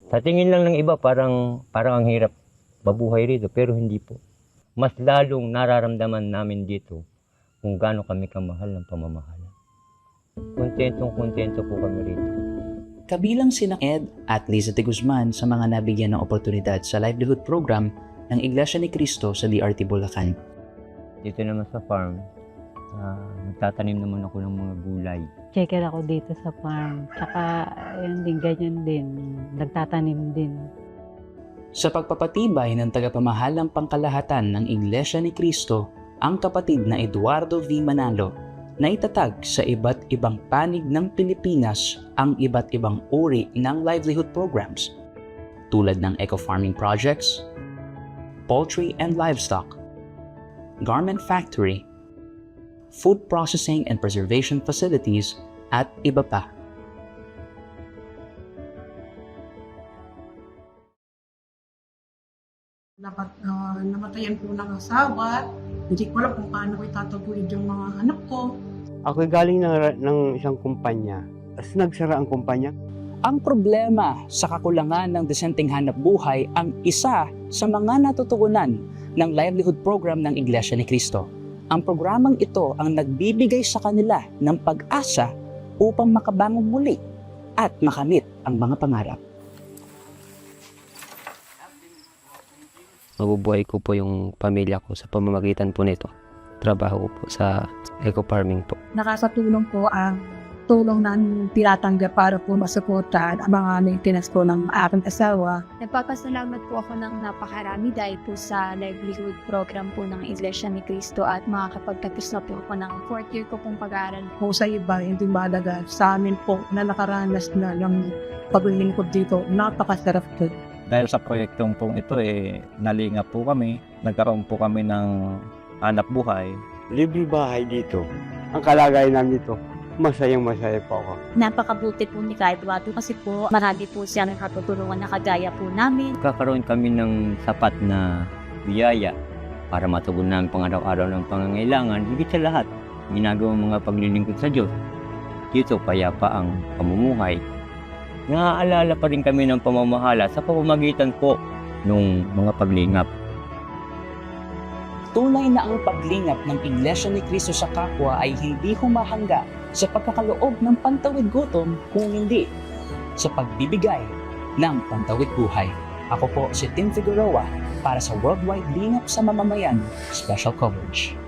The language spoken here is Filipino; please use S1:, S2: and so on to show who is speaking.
S1: Sa tingin lang ng iba, parang ang hirap mabuhay rito, pero hindi po. Mas lalong nararamdaman namin dito kung gaano kami kamahal ng pamamahala. Kontentong-kontento po kami rito.
S2: Kabilang sina Ed at Liza de Guzman sa mga nabigyan ng oportunidad sa livelihood program ng Iglesia ni Cristo sa DRT Bulacan.
S1: Dito naman sa farm, nagtatanim naman ako ng mga gulay.
S3: Checker ako dito sa farm. Tsaka, yun din, ganyan din. Nagtatanim din.
S2: Sa pagpapatibay ng tagapamahalang pangkalahatan ng Iglesia ni Cristo, ang kapatid na Eduardo V. Manalo na itatag sa iba't ibang panig ng Pilipinas ang iba't ibang uri ng livelihood programs tulad ng eco-farming projects, poultry and livestock, garment factory, food processing and preservation facilities, at iba pa.
S4: Namatayan po ng asawa. Hindi ko alam kung paano ko itataguyod yung mga anak ko.
S5: Ako galing ng isang kumpanya. Tapos nagsara ang kumpanya.
S2: Ang problema sa kakulangan ng desenteng hanap buhay ang isa sa mga natutugunan ng livelihood program ng Iglesia ni Cristo. Ang programang ito ang nagbibigay sa kanila ng pag-asa upang makabangon muli at makamit ang mga pangarap.
S6: Mabubuhay ko po yung pamilya ko sa pamamagitan po nito. Trabaho ko po sa eco-farming po.
S4: Nakakatulong po ang tulong na tinatanggap para po masuportahan ang mga maintenance po ng aking asawa.
S7: Nagpapasalamat po ako ng napakarami dahil po sa livelihood program po ng Iglesia ni Cristo at makakapagtapos na po ako ng 4th year ko pong pag-aaral.
S4: Kung sa iba, hindi mahalaga. Sa amin po, na nakaranas na ng paglilingkod dito, napakasarap po.
S8: Dahil sa proyektong pong ito, nalingap po kami. Nagkaroon po kami ng hanap buhay.
S5: Libre bahay dito. Ang kalagayan namin dito, masayang-masaya po ako.
S9: Napakabuti po ni Ka Eduardo kasi po marami po siya nakatutulungan na kagaya po namin.
S1: Kakaroon kami ng sapat na biyaya para matugunan ang pang-araw-araw ng pangangailangan. Higit sa lahat, ginagawang mga paglilingkod sa Diyos. Dito, payapa ang pamumuhay. Naaalala pa rin kami ng pamamahala sa pamamagitan po ng mga paglingap.
S2: Tunay na ang paglingap ng Iglesia ni Cristo sa kapwa ay hindi humahanga sa pagkakaloob ng pantawid gutom kung hindi sa pagbibigay ng pantawid buhay. Ako po si Tim Figueroa para sa Worldwide Lingap sa Mamamayan Special Coverage.